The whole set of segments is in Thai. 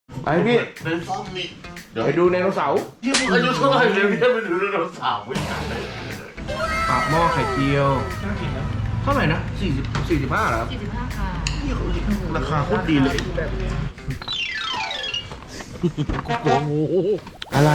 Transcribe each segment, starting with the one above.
ไปพี่ในซ่อมนี่ไปดูไดโนเสาร์ที่มึงอายุเท่าไหร่เลยพี่ไปดูไดโนเสาร์ไม่ใช่ปากหม้อไข่เจียวเท่าไหร่นะ45เหรอครับ 45 ค่ะราคาโคตรดีเลยอะไร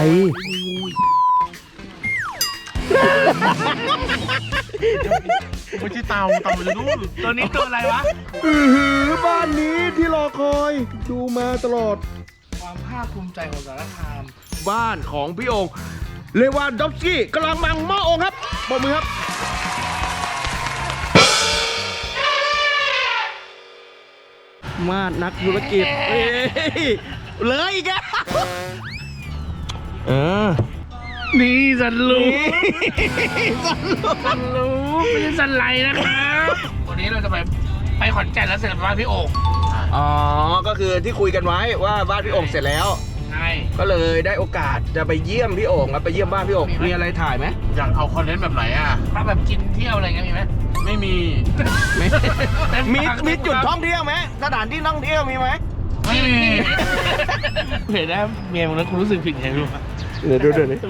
ไม่ใช่เตาอยู่นู่นตัวนี้ตัวอะไรวะบ้านนี้ที่รอคอยดูมาตลอดความภาคภูมิใจของสารคามบ้านของพี่โองเลวานดอฟสกี้กำลังมังหม้อองครับปรบมือครับมาดนักธุรกิจเลยอีกแล้วนี่สันลูสันลูไม่ใช่สันไหลนะครับวันนี้เราจะไปขอนแก่นแล้วเสร็จบ้านพี่โอ่งอ๋อก็คือที่คุยกันไว้ว่าบ้านพี่โองเสร็จแล้วใช่ก็เลยได้โอกาสจะไปเยี่ยมพี่โองครับไปเยี่ยมบ้านพี่โองมีอะไรถ่ายไหมอยากเอาคอนเทนต์แบบไหนอ่ะถ้าแบบกินเที่ยวอะไรเงี้ยมีไหมไม่มีมีจุดท่องเที่ยวไหมสถานที่ท่องเที่ยวมีไหมไม่มีเห็นนะเมียมึงแล้วคุณรู้สึกผิดไงรู้ปะเดี๋ยวดูนี่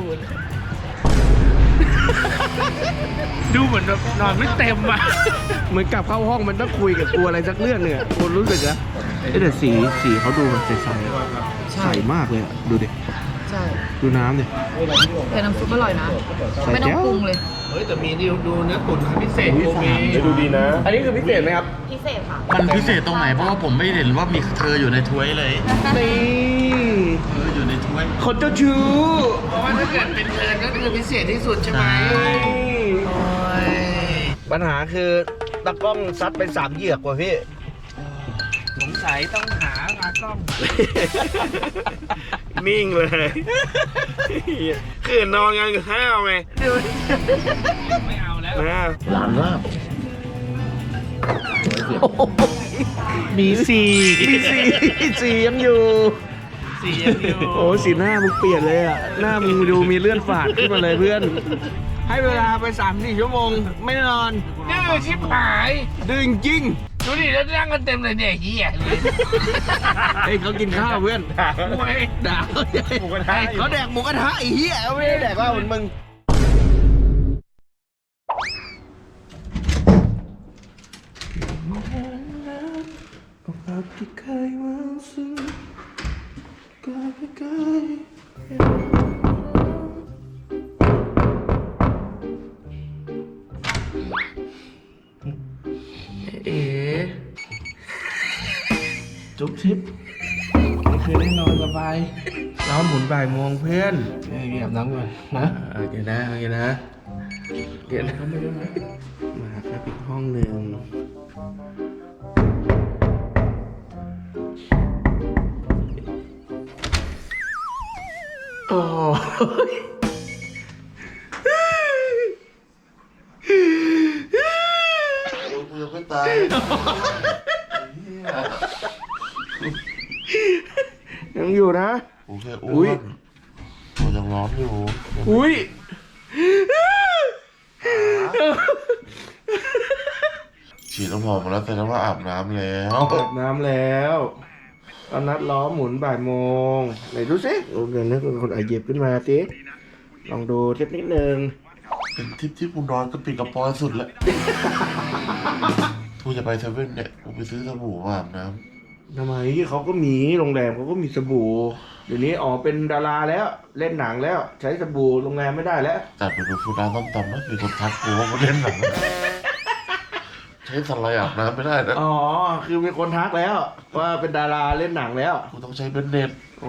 ดูเหมือนแบบนอนไม่เต็มอ่ะเหมือนกลับเข้าห้องมันต้องคุยกับกูอะไรสักเรื่องเนี่ยกูรู้สึกนะแต่สีเขาดูแบบใสๆใสมากเลยอะดูดิใช่ดูน้ำดิแต่น้ำซุปอร่อยนะ ไม่ต้องปรุงเลยเฮ้ยแต่มีนี่ดูเนื้อตุ๋นพิเศษโกเมดูดีนะ อันนี้คือพิเศษไหมครับพิเศษค่ะมันพิเศษตรงไหนเพราะว่าผมไม่เห็นว่ามีเธออยู่ในถ้วยเลยนี่อยู่ในถ้วยคนเจ้าชู้เพราะว่าถ้าเกิดเป็นเทิร์นก็คือพิเศษที่สุดใช่ไหมโอ้ยปัญหาคือตะกล้องซัดไป3 เหยือกว่ะพี่สงสัยต้องหาตากล้องนิ่งเลยคือนอนกันกับข้าวไงไม่เอาแล้วนะหลานลาบมีสี่มีสียังอยู่สี่ยังอยู่โอ้สีหน้ามึงเปลี่ยนเลยอ่ะ หน้ามึงดูมีเลื่อนฝาดขึ้นมาเลยเพื่อน ให้เวลาไป3-4 ชั่วโมง ไม่นอนดื้อชิบหายดึงจริงดูดิแล้วนั่งกันเต็มเลยเนี่ยเฮียเฮ้ยเขากินข้าวเพื่อนมวยด่าเขาใหญ่เขาแดกหมูกระทะไอ้เหี้ยเขาไม่ได้แดกว่าเหมือนมึงเอ๋จุ๊บชิปไม่เคยได้นอนสบายน้ำหมุนบ่ายโมงเพื่อนเก็บน้ำก่อนนะโอเคนะโอเคนะเดี๋ยวนะมาครับอีกห้องหนึ่งโอ้ยกูยังไม่ตายยังอยู่นะกูแค่อุ๊อ้วย นกูยังร้อนอยู่อุ้ยฉีดน้ำหอมมาแล้วแต่ว่าอาบน้ำแล้วอาบน้ำแล้วตอนนัดล้อหมุนบ่ายโมงไหนดูสิโอ้เดี๋ยวนึกเป็นคนหยิบขึ้นมาสิลองดูเทปนิดนึงเป็นทริปที่กูนอนกระปิดกระปอยสุดแล้วกูจะไปเซเว่นเนี่ยกูไปซื้อสบู่มาอาบน้ทำไมเขาก็มีโรงแรมเขาก็มีสบู่เดี๋ยวนี้อ๋อเป็นดาราแล้วเล่นหนังแล้ว ใช้สบู่โรงแรมไม่ได้แล้วำแต่ไปดูฟูดานต้มตำนะมีคนทักกูว่ามาเล่นหนังใช้สไลด์อาบน้ำไม่ได้นะอ๋อคือมีคนทักแล้ว ว่าเป็นดาราเล่นหนังแล้วกูต้องใช้เบนเน็ตโอ้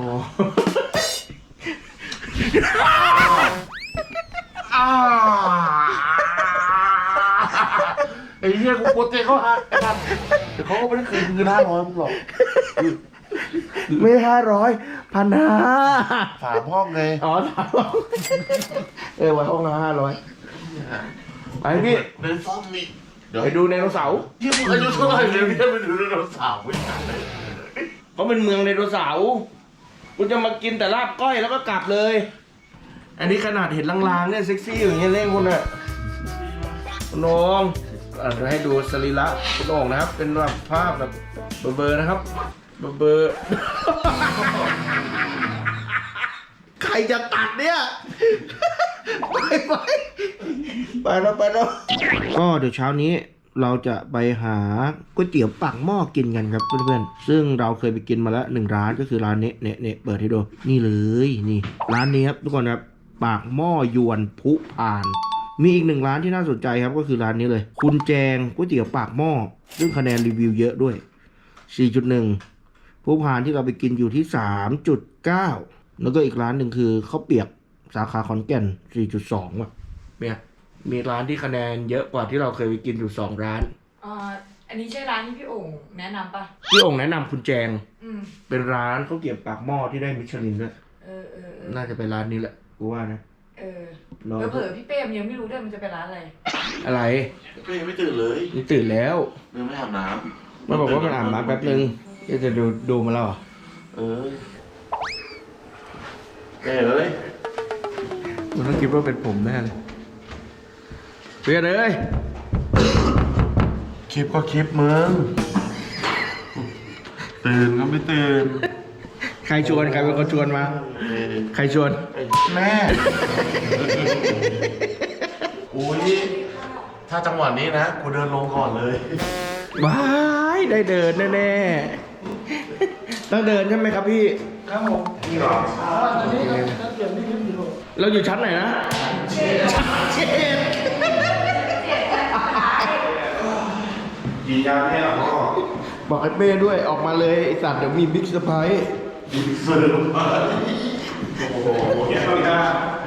ไอ้เหี้ยกูโปรเจกต์เขาหักไอ้พันแต่เขาก็ไม่ได้คืนเงิน500มึงหรอกไม่500 1,500 3 ห้องไงอ๋อไว้ห้องละ500ไปพี่ในซ่อมนี่เดี๋ยวไปดูไดโนเสาร์ที่มึงอายุเท่าไหร่เลยพี่ไปดูไดโนเสาร์ไม่ใช่เขาเป็นเมืองไดโนเสาร์คุณจะมากินแต่ลาบก้อยแล้วก็กลับเลย อันนี้ขนาดเห็นลางๆเนี่ยเซ็กซี่อย่างเงี้ยเล่นคุณอะคุณโองเดี๋ยวให้ดูสรีระคุณโองนะครับ เป็นแบบภาพแบบเบลอๆนะครับเบอร์ ใครจะตัดเนี่ย ไปแล้วก็เดี๋ยวเช้านี้เราจะไปหาก๋วยเตี๋ยวปากหม้อกินกันครับเพื่อนๆซึ่งเราเคยไปกินมาแล้ว1 ร้านก็คือร้านนี้เนี่ยเปิดให้ดูนี่เลยนี่ร้านนี้ครับทุกคนครับปากหม้อยวนพุพาน มีอีก1 ร้านที่น่าสนใจครับก็คือร้านนี้เลย คุณแจงก๋วยเตี๋ยวปากหม้อซึ่งคะแนนรีวิวเยอะด้วย 4.1 ผู้พานที่เราไปกินอยู่ที่ 3.9 แล้วก็อีกร้านหนึ่งคือข้าวเปียกสาขาขอนแก่น 4.2 ว่ะเนี่ยมีร้านที่คะแนนเยอะกว่าที่เราเคยไปกินอยู่2 ร้านอันนี้ใช่ร้านที่พี่โอ่งแนะนำปะพี่องค์แนะนำคุณแจงอืมเป็นร้านข้าวเกรี๊ยวปากหม้อที่ได้มิชลินด้วย น่าจะเป็นร้านนี้แหละกูว่านะเผลอพี่เป้มยังไม่รู้ด้วยมันจะเป็นร้านอะไรอะไรก็ยังไม่ตื่นเลยนี่ตื่นแล้วยังไม่อาบน้มันบอกว่ามันอาบน้ำแป๊บนึงจะดูมาแล้วเหรอำแม่เอ้ยมันต้องคิดว่าเป็นผมแน่เลยเพื่อนเอ้ยคลิปก็คลิปมึง ตื่นก็ไม่ตื่นใครชวนใครเป็นคนชวนมา ใครชวนแม่ อุ้ย ถ้าจังหวะนี้นะ กูเดินลงก่อนเลยว้ายได้เดินแน่ๆต้องเดินใช่ไหมครับพี่ครับผมเราอยู่ชั้นไหนนะชั้นเจ็ดกินยาแค่หรอพ่อบอกไอ้เป้ด้วยออกมาเลยไอ้สัตว์เดี๋ยวมีบิ๊กเซอร์ไพรส์กินเสริมไปโอ้โหแค่ต้องการ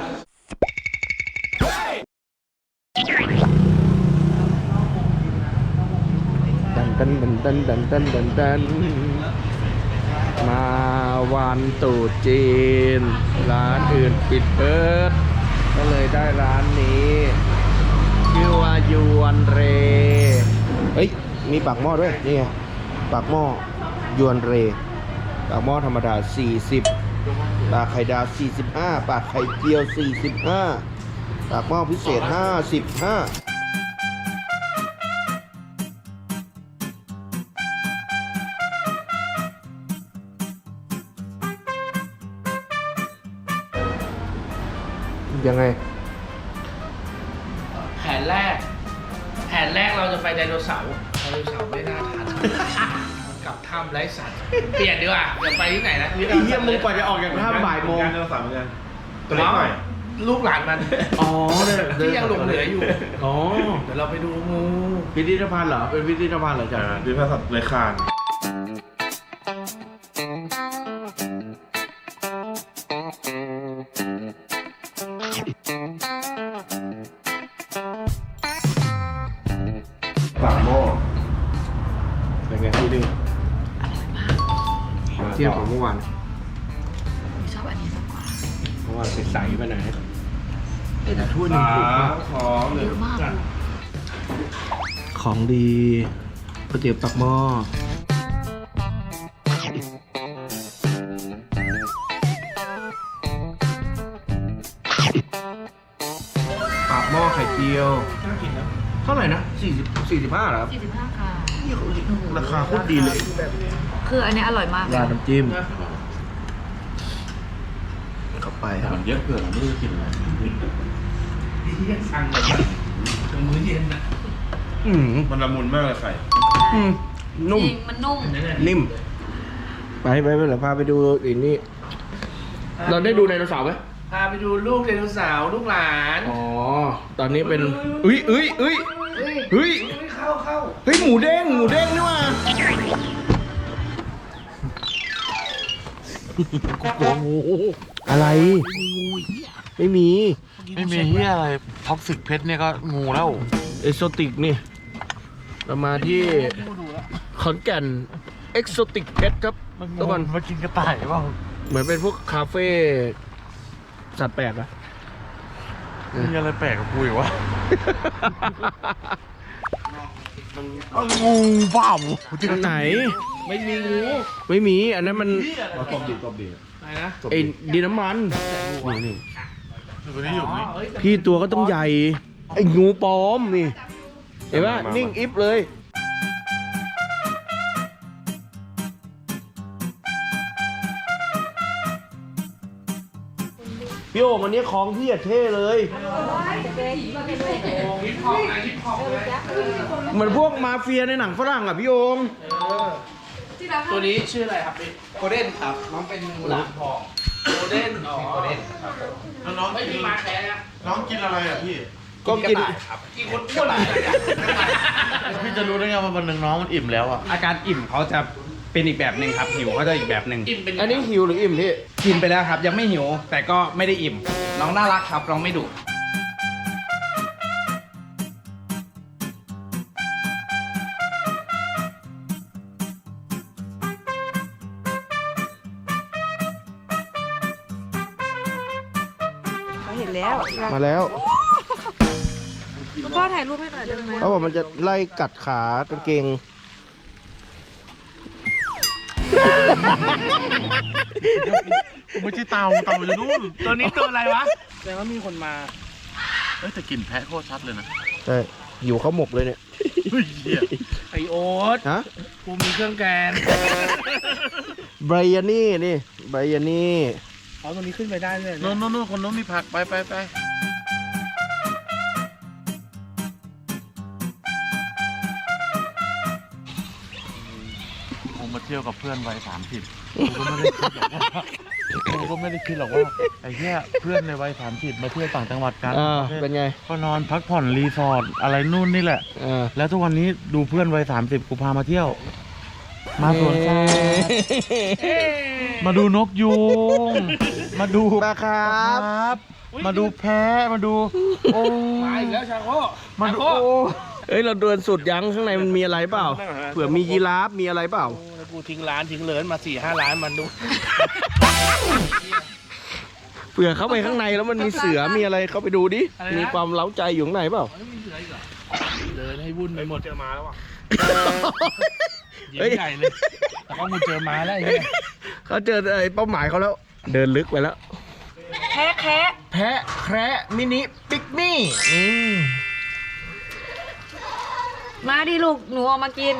ดันมาวันตรุษจีน ร้านอื่นปิดเปิด ก็เลยได้ร้านนี้ ชื่อว่ายวนเร เฮ้ย มีปากหม้อด้วย นี่ไง ปากหม้อยวนเร ปากหม้อธรรมดา 40 ปากไข่ดาว 45 ปากไข่เจียว 45 ปากหม้อพิเศษ 55ยังไงแผนแรกเราจะไปไดโนเสาร์ไม่น่าทันมันกลับถ้ำไร้สัตว์เปลี่ยนดีกว่าอย่าไปที่ไหนนะไอ้เหี้ยมึงกว่าจะออกจากถ้ำบ่ายโมงตัวสามเหมือนกันลูกหลานมันอ๋อเนี่ยที่ยังหลงเหลืออยู่อ๋อเดี๋ยวเราไปดูงูพิพิธภัณฑ์เหรอ เป็นพิพิธภัณฑ์เหรอจ๊ะดิพาสัตว์เลยคานปากหม้อเป็นไงพี่ดึงเทียบกับเมื่อวานชอบอันนี้มากกว่าเมื่อวานใสๆไปหน่อยแต่ถ้วยหนึ่งถูกมากเยอะมากเลยของดีก๋วยเตี๋ยวปากหม้อปากหม้อไข่เจียวน่ากินนะเท่าไหร่นะ45เหรอครับ 45 ค่ะราคาโคตรดีเลยคืออันนี้อร่อยมากเลยราดน้ำจิ้มเข้าไปครับมันเยอะเกินไม่รู้จะกินอะไรที่ยังสั่งเลยถึงมื้อเย็นนะมันละมุนมากเลยไข่นุ่มจริงมันนุ่มนิ่ม ไปเดี๋ยวพาไปดูอีกนี่ เราได้ดูไดโนเสาร์ไหมพาไปดูลูกไดโนเสาร์ลูกหลานอ๋อ ตอนนี้เป็นเฮ้ยเข้าเฮ้ย หมูเด้งนี่ว่ะโอ้โหอะไร ไม่มีไม่มีเฮียอะไรท็อกซิกเพชรเนี่ยก็งูแล้วเอโซติกนี่ เรามาที่ขอนแก่นเอ็กโซติกเพชรครับทุกคนมากินกระต่ายเปล่าเหมือนเป็นพวกคาเฟ่สัตว์แปลกอะมีอะไรแปลกกับกูอีกวะงูเปล่าที่ไหนไม่มีงูไม่มี อันนั้นมันตบดีอะไรนะไอ้ดินน้ำมันนี่ตัวนี้อยู่นี่เฮ้ยพี่ตัวก็ต้องใหญ่ ไอ้งูปลอมนี่ เห็นปะนิ่งอิฟเลยพี่โอ่งอันนี้ของพี่อะเท่เลยฮิปฮอปนะฮิปฮอปเลยเหมือนพวกมาเฟียในหนังฝรั่งอ่ะพี่โอ่งตัวนี้ชื่ออะไรครับพี่โกลเด้นครับ น้องเป็นหลามทองโกลเด้นอ๋อโกลเด้นครับแล้วน้องไม่มีมาแท้นะน้องกินอะไรอ่ะพี่ก็กินกี่คนอ้วนเลยเนี่ยพี่จะรู้ได้ไงว่าวันหนึ่งน้องมันอิ่มแล้วอ่ะอาการอิ่มเขาจะเป็นอีกแบบหนึ่งครับหิวเขาจะอีกแบบหนึ่งอิ่มเป็นอันนี้หิวหรืออิ่มพี่กินไปแล้วครับยังไม่หิวแต่ก็ไม่ได้อิ่ม น้องน่ารักครับน้องไม่ดุเขาเห็นแล้วมาแล้วพ่อถ่ายรูปให้หน่อยได้ไหมเขาบอกมันจะไล่กัดขากางเกงไม่ใช่เตาอยู่นู่นตัวนี้ตัวอะไรวะแสดงว่ามีคนมาเอ้ยแต่กลิ่นแพะโคตรชัดเลยนะใช่หิวเขาหมกเลยเนี่ยเฮ้ยเหี้ยไอโอ๊ตฮะกูมีเครื่องแกงไบรยานี่นี่ไบรยานี่เอาตัวนี้ขึ้นไปได้เลยโน่นคนโน้นมีผักไปผมมาเที่ยวกับเพื่อนวัย30กูก็ไม่ได้คิดหรอกว่าไอ้เหี้ยเพื่อนในวัย30มาเที่ยวต่างจังหวัดกันเป็นไงก็นอนพักผ่อนรีสอร์ทอะไรนู่นนี่แหละ แล้วทุกวันนี้ดูเพื่อนวัย30กูพามาเที่ยว มาสวนสัตว์มาดูนกยูงมาดูปลาครับมาดูแพะมาดูโอ้มาอีกแล้วชาโคมาดูชาโคเอ้ยเราเดินสุดยังข้างในมันมีอะไรเปล่า เผื่อมียีราฟมีอะไรเปล่าโอ้แล้วกูทิ้งร้านทิ้งเลินมา4-5 ร้านมันดูเผื่อเข้าไปข้างในแล้วมันมีเสือมีอะไรเข้าไปดูดิอะไรนะมีความเล้าใจอยู่ข้างในเปล่ามันไม่มีเสืออีกเหรอเดินให้วุ่นไปหมดเจอมาแล้วอ่ะเฮ้ยใหญ่เลยแต่ว่ามึงเจอมาแล้วไอ้เนี่ยเขาเจอไอ้เป้าหมายเขาแล้ว เดินลึกไปแล้วแคะแคะแพะแคระมินิปิกนี่มมาดิลูกหนูเอามากิน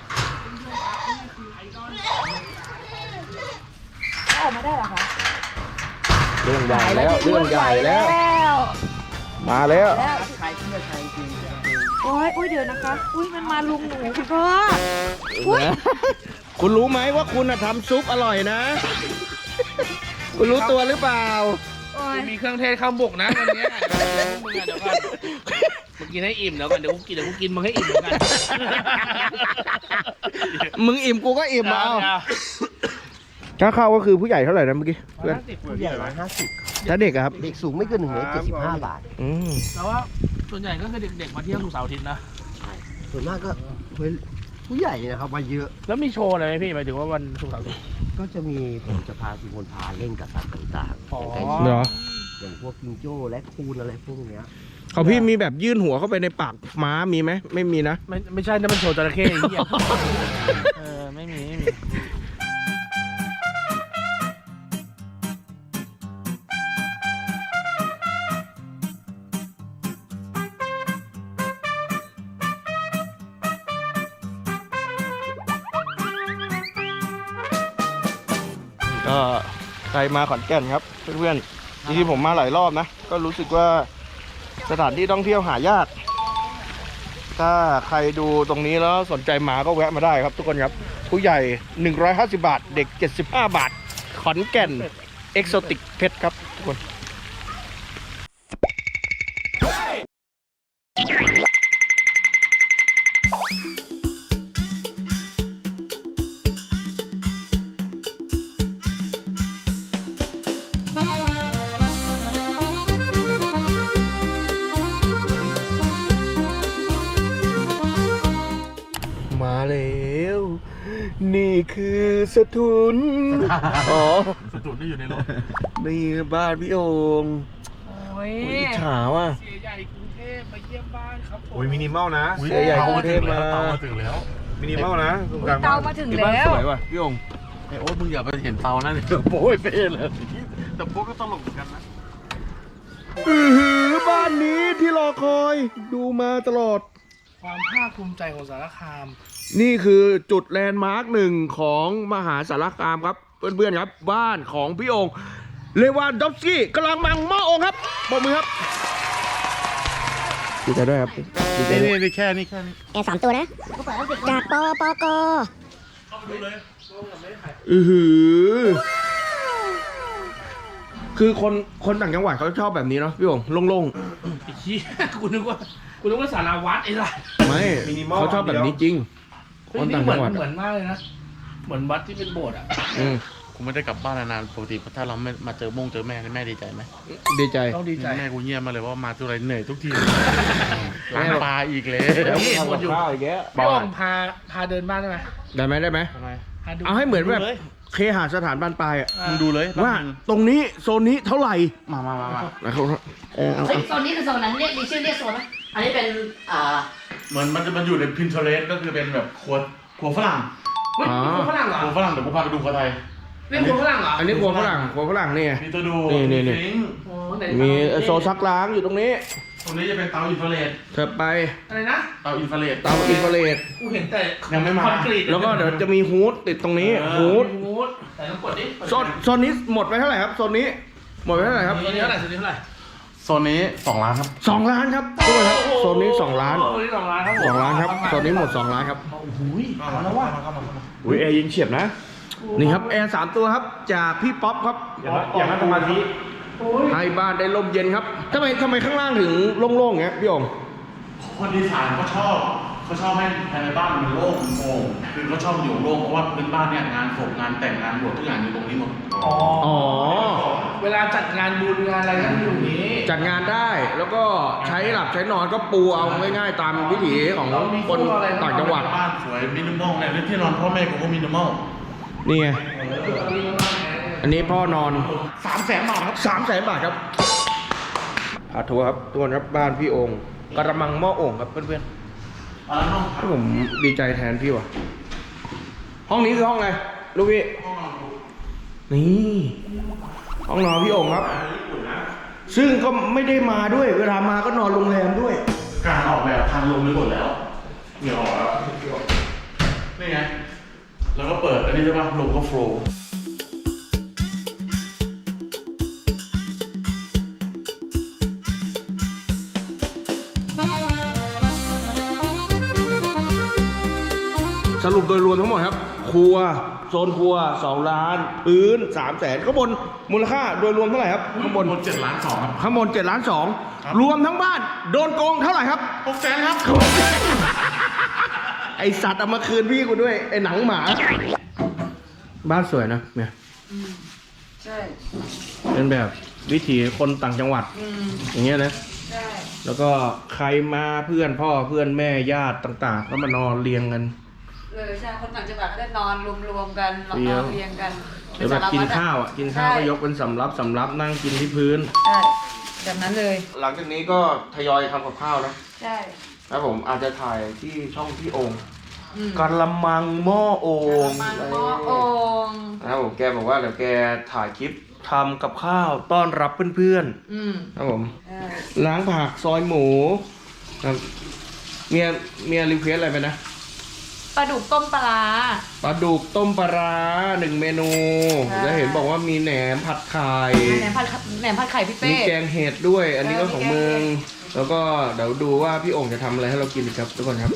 ออกมาได้เหรอคะเรื่องใหญ่แล้วเรื่องใหญ่แล้ว มาแล้วแล้วโอ้ยเดี๋ยวนะคะ อุ้ยมันมาลุงหนูคุณพ่อ อุ๊ยคุณรู้ไหมว่าคุณน่ะทำซุปอร่อยนะ คุณรู้ตัวหรือเปล่าโอ้ยมีเครื่องเทศข้าวบุกนะวันเนี้ยมึงอะเดี๋ยวก่อนมึงกินให้อิ่มเดี๋ยวก่อนเดี๋ยวกูกินมึงให้อิ่มเหมือนกันมึงอิ่มกูก็อิ่มเอาถ้าเข้าก็คือผู้ใหญ่เท่าไหร่นะเมื่อกี้เพื่อนผู้ใหญ่150 ถ้าเด็กอะครับเด็กสูงไม่เกิน175 บาทอืมแล้วว่าส่วนใหญ่ก็คือเด็กๆมาเที่ยวสุกร์เสาร์อาทิตย์นะส่วนมากก็ผู้ใหญ่นะครับมาเยอะแล้วมีโชว์อะไรไหมพี่หมายถึงว่าวันศุกร์เสาร์อาทิตย์ก็จะมีผมจะพาคุณมนพาเล่นกับสัตว์ต่างๆอ๋อเหรออย่างพวกจิงโจ้และคูนอะไรพวกเนี้ยเขาพี่มีแบบยื่นหัวเข้าไปในปากม้ามีไหมไม่มีนะไม่ใช่นะมันโชว์จระเข้ไอ้เหี้ยไม่มีก็ใครมาขอนแก่นครับเพื่อนๆจริงๆผมมาหลายรอบนะ ก็รู้สึกว่าสถานที่ท่องเที่ยวหายาก ถ้าใครดูตรงนี้แล้วสนใจมาก็แวะมาได้ครับทุกคนครับ ผู้ใหญ่ 150 บาท เด็ก 75 บาท ขอนแก่นเอ็กโซติกเพชรครับทุกคน มาแล้ว นี่คือสถุน อ๋อสตูนที่อยู่ในรถนี่บ้านพี่โอ่งโอ้ยอิจฉาว่ะเสียใหญ่กรุงเทพมาเยี่ยมบ้านครับผมโอ้ยมินิมอลนะเสียใหญ่กรุงเทพมาเตามาถึงแล้วมินิมอลนะตรงกลางเตาบ้านมาถึงที่บ้านแล้สววยว่ะพี่โอ่งไอ้โอ๊ตมึงอย่าไปเห็นเตานะเดี๋ยวโป้ยเป้เลยแต่โป้ก็ตลกเหมือนกันนะบ้านนี้ที่รอคอยดูมาตลอดความภาคภูมิใจของสารคามนี่คือจุดแลนด์มาร์คหนึ่งของมหาสารคามครับ เพื่อนๆครับ บ้านของพี่โองเลวานดอฟสกี้กำลังมังหม้อองครับปรบมือครับดีใจด้วยครับดีใจด้วยนี่แค่นี้แอร์3 ตัวนะ จากปปกหือคือคนต่างจังหวัดเขาชอบแบบนี้เนาะพี่โองโล่งไอ้เหี้ยกูนึกว่าสาราวัดไอ้ไรๆไม่เขาชอบแบบนี้จริง คนต่างจังหวัดเหมือนมากเลยนะ เหมือนวัดที่เป็นโบสถ์อ่ะอืมกูไม่ได้กลับบ้านนานๆปกติถ้าเราไม่มาเจอแม่นี่แม่ดีใจไหมดีใจต้องดีใจแม่กูเงียบมาเลยว่ามาทุกไรเหนื่อยทุกทีล้างปลาอีกเลยนี่หมดอยู่ข้าวอีกแล้วพี่โองพาเดินบ้านได้ไหมได้ไหมทำไมพาดูเอาให้เหมือนแบบเคหสถานบ้านปลายอะมึงดูเลยว่าตรงนี้โซนนี้เท่าไหร่มานะครับเอาเฮ้ยโซนนี้คือโซนนั้นเรียกมีชื่อเรียกโซนไหมอันนี้เป็นเหมือนมันอยู่ใน Pinterest ก็คือเป็นแบบครัวฝรั่งเฮ้ยนี่คนฝรั่งเหรอครัวฝรั่งเดี๋ยวกูพาไปดูครัวไทยนี่คนฝรั่งเหรออันนี้ครัวฝรั่งนี่ไงมีตัวดูนี่ซิงค์โอ้ไหนมีโซนซักล้างอยู่ตรงนี้ตรงนี้จะเป็นเตาอินฟราเรดเถิบไปอะไรนะเตาอินฟราเรดเตาอินฟราเรดกูเห็นแต่ยังไม่มาคอนกรีตแล้วก็เดี๋ยวจะมีฮูดติดตรงนี้เออฮูดมูดแต่ต้องกดดิโซนนี้หมดไปเท่าไหร่ครับโซนนี้หมดไปเท่าไหร่ครับตัวนี้เท่าไหร่ตัวนี้เท่าไหร่โซนนี้2 ล้านครับ 2 ล้านครับทุกคนครับโซนนี้2 ล้านโอ้โหนี่2 ล้านครับผม 2 ล้านครับโซนนี้หมด2 ล้านครับโอ้โหเอาแล้วว่ะอุ้ยแอร์ยิงเฉียบนะนี่ครับแอร์3 ตัวครับจากพี่ป๊อปครับอย่างนั้นสมาธิให้บ้านได้ลมเย็นครับทำไมข้างล่างถึงโล่งๆอย่างเงี้ยพี่โองคนดีไซน์เขาชอบให้ภายในบ้านมันโล่งโปร่งคือเขาชอบอยู่โล่งเพราะว่าพื้นบ้านเนี่ยงานศพงานแต่งงานบวชทุกอย่างอยู่ตรงนี้หมดอ๋อเวลาจัดงานบุญงานอะไรก็อยู่นี้จัดงานได้แล้วก็ใช้หลับใช้นอนก็ปูเอาง่ายๆตามวิถีของคนต่างจังหวัดบ้านสวยมินิมอลเนี่ยที่นอนพ่อแม่กูก็มินิมอลนี่ไงอันนี้พ่อนอน 300,000 บาทครับ 300,000 บาทครับพาทัวร์ครับทุกคนครับบ้านพี่โองกระมังหม้อโอ่งครับเพื่อนๆผมดีใจแทนพี่ว่ะห้องนี้คือห้องอะไรลูกพี่นี่ห้องนอนพี่โองครับ ซึ่งก็ไม่ได้มาด้วยเวลามาก็นอนโรงแรมด้วยการออกแบบทางลงไปหมดแล้วเหงื่อออกแล้วนี่ไงแล้วก็เปิดอันนี้ใช่ป่ะลมก็โฟล์สรุปโดยรวมทั้งหมดครับ ครัวโซนครัว2 ล้านพื้น300,000ข้างบนมูลค่าโดยรวมเท่าไหร่ครับข้างบน 7.2 ล้านครับข้างบน7.2 ล้านรวมทั้งบ้านโดนโกงเท่าไหร่ครับ 600,000 ครับไอสัตว์เอามาคืนพี่กูด้วยไอหนังหมา บ้านสวยนะเนี่ยใช่เป็นแบบวิถีคนต่างจังหวัดอย่างเงี้ยนะใช่แล้วก็ใครมาเพื่อนพ่อเพื่อนแม่ญาติต่างๆก็มานอนเรียงกันใช่คนต่างจังหวัดเขาจะนอนรวมๆกันนอนเรียงกันหรือแบบกินข้าวอ่ะกินข้าวก็ยกเป็นสำรับนั่งกินที่พื้นใช่แบบนั้นเลยหลังจากนี้ก็ทยอยทำกับข้าวนะใช่แล้วผมอาจจะถ่ายที่ช่องพี่โองค์อืมกระมังหม้อโอ่งมันหม้อโอ่งนะครับผมแกบอกว่าเดี๋ยวแกถ่ายคลิปทำกับข้าวต้อนรับเพื่อนอืมๆครับผมใช่ล้างผักซอยหมูครับเมียรีเควสอะไรไปนะปลาดุกต้มปลาร้าปลาดุกต้มปลาร้า1 เมนูใช่แล้วเห็นบอกว่ามีแหนมผัดไข่แหนมผัดไข่พี่เป้มีแกงเห็ดด้วย อันนี้ก็มีของแกงมึงเห็ดแล้วก็เดี๋ยวดูว่าพี่โองค์จะทำอะไรให้เรากินอีกครับทุกคนครับ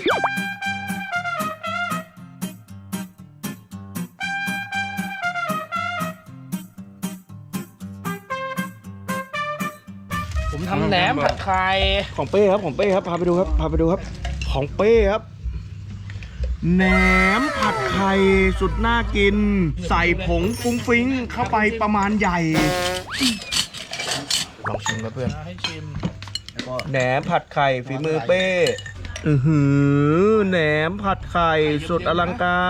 ผมทำแหนมผัดไข่ของเป้ครับของเป้ครับพาไปดูครับพาไปดูครับ ของเป้ครับแหนมผัดไข่สุดน่ากิน ใส่ผงฟุ้งฟิ้งเข้าไปประมาณใหญ่ลองชิมครับเพื่อนให้ชิมแหนมผัดไข่ฝีมือเป้แหนมผัดไข่สุดอลังการ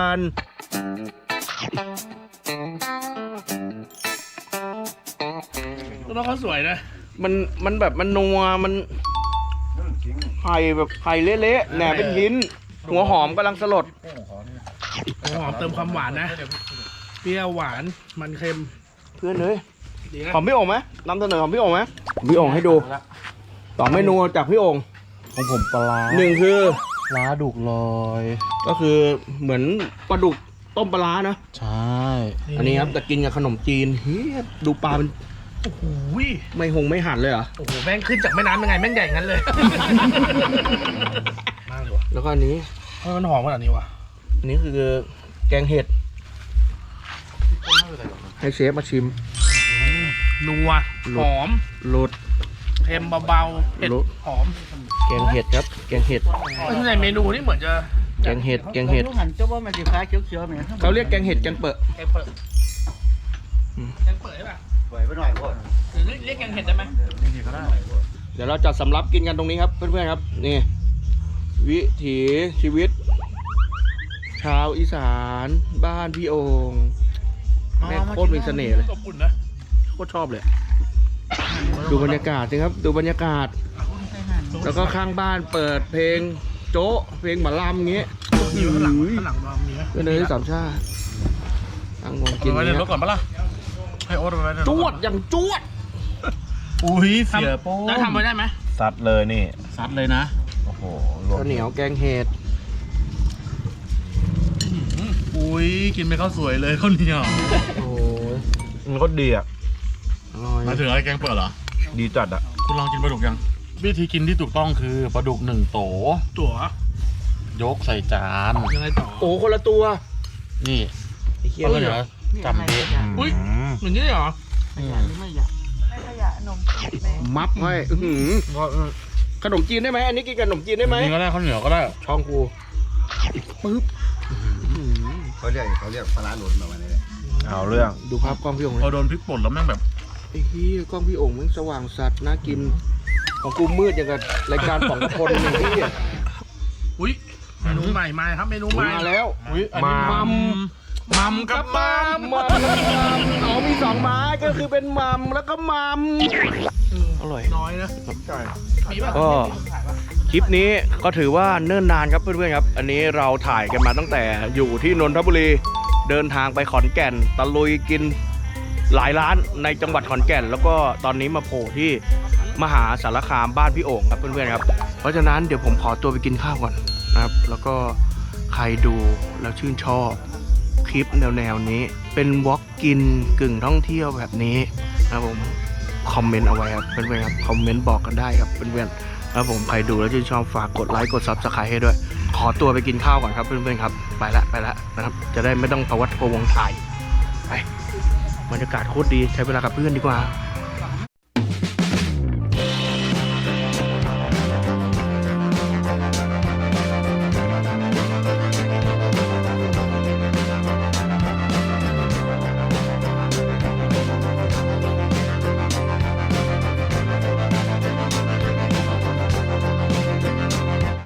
แล้วเขาสวยนะมันแบบมันนัวมันไข่แบบไข่เละๆแหนมเป็นหินหัวหอมกำลังสลดหอมเติมความหวานนะ เปรี้ยวหวานมันเค็มเพื่อนเลยดีนะของพี่โองไหมนำเสนอของพี่โองไหมพี่โองให้ดู2 เมนูจากพี่โองของผมปลาหนึ่งคือปลาดุกลอยก็คือเหมือนปลาดุกต้มปลาร้านะใช่อันนี้ครับแต่กินกับขนมจีนเฮ้ยดูปลาเป็นโอ้โหไม่หั่นเลยเหรอโอ้โหแม่งขึ้นจากแม่น้ำยังไงแม่งใหญ่งั้นเลยมากเลยว่ะแล้วก็อันนี้ทำไมมันหอมขนาดนี้วะอันนี้คือแกงเห็ดให้เชฟมาชิมนัวหอมรสเค็มเบาๆเผ็ดรู้หอมแกงเห็ดครับ แกงเห็ดในเมนูนี่เหมือนจะแกงเห็ดแกงเห็ดหันเจ้าว่ามันจะคล้ายเขียวๆเหมือนเขาเรียกแกงเห็ดแกงเปอะแกงเปิดแกงเปิดใช่ป่ะสวยไปหน่อยพ่อหรือเรียกแกงเห็ดได้ไหมเดี๋ยวเราจะสำรับกินกันตรงนี้ครับเพื่อนๆครับนี่วิถีชีวิต ชาวอีสานบ้านพี่โองแม่งโคตรมีเสน่ห์เลยอบอุ่นนะโคตรชอบเลย ดูบรรยากาศสิครับ ดูบรรยากาศ แล้วก็ข้างบ้านเปิดเพลงโจ๊ะเพลงหมอลำอย่างเงี้ยมีข้างหลังมีไหมก็เลยสามชาติตั้งวงกินไว้ในเนี้ยรถก่อนปะล่ะให้โอ๊ตไว้ในรถจวดอย่างจวดอุ้ยเสียโป้แล้วทำไว้ได้ไหมซัดเลยนี่ซัดเลยนะโอ้โหรวมข้าวเหนียวแกงเห็ดอุ้ยกินไปข้าวสวยเลยข้าวเหนียวโอ้ยมันก็ดีอ่ะอร่อยมาถึงอะไรแกงเปิดเหรอดีจัดอ่ะคุณลองกินปลาดุกยัง วิธีกินที่ถูกต้องคือปลาดุก1 โตตั๋วยกใส่จานยังไงต่อโอ้คนละตัวนี่ไอ้เหี้ยแล้วเดี๋ยวจับดิอุ้ยอย่างนี้เหรอไม่ขยะนมแม่มับให้อื้อหือขนมจีนได้ไหมอันนี้กินกับขนมจีนได้ไหมนี่ก็ได้ข้าวเหนียวก็ได้ช่องกูปึ๊บเขาเรียกปลาร้าหนุนมาวันนี้เอาเรื่องดูภาพกล้องพี่โองพเลอย โดนพริกป่นแล้วแม่งแบบไอ้เหี้ยกล้องพี่โองมันสว่างสัตว์น่ากิน ของกูมืดอย่างกับรายการของคนหนึ่งที่อุ้ยเมนูใหม่มาครับเมนูใหม่มาแล้วอุ้ยอันนี้มัมมัมกับมัมมัมเอามี2ไม้ก็คือเป็นมัมแล้วก็มัมอร่อยน้อยนะมีป่ะก็คลิปนี้ก็ถือว่าเนิ่นนานครับเพื่อนๆครับ อันนี้เราถ่ายกันมาตั้งแต่อยู่ที่นนทบุรีเดินทางไปขอนแก่นตะลุยกินหลายร้านในจังหวัดขอนแก่น แล้วก็ตอนนี้มาโผล่ที่มหาสารคามบ้านพี่โอ่งครับเพื่อนๆครับเพราะฉะนั้นเดี๋ยวผมขอตัวไปกินข้าวก่อนนะครับ แล้วก็ใครดูแล้วชื่นชอบคลิปแนวๆนี้เป็นวอล์กกินกึ่งท่องเที่ยวแบบนี้นะครับผมคอมเมนต์เอาไว้ครับเพื่อนๆครับคอมเมนต์บอกกันได้ครับเพื่อนๆครับผมใครดูแล้วชื่นชอบฝากกดไลค์กด Subscribe ให้ด้วย ขอตัวไปกินข้าวก่อนครับเพื่อนๆครับไปละนะครับจะได้ไม่ต้องพะวัดพะวงถ่ายไปบรรยากาศโคตรดีใช้เวลากับเพื่อนดีกว่า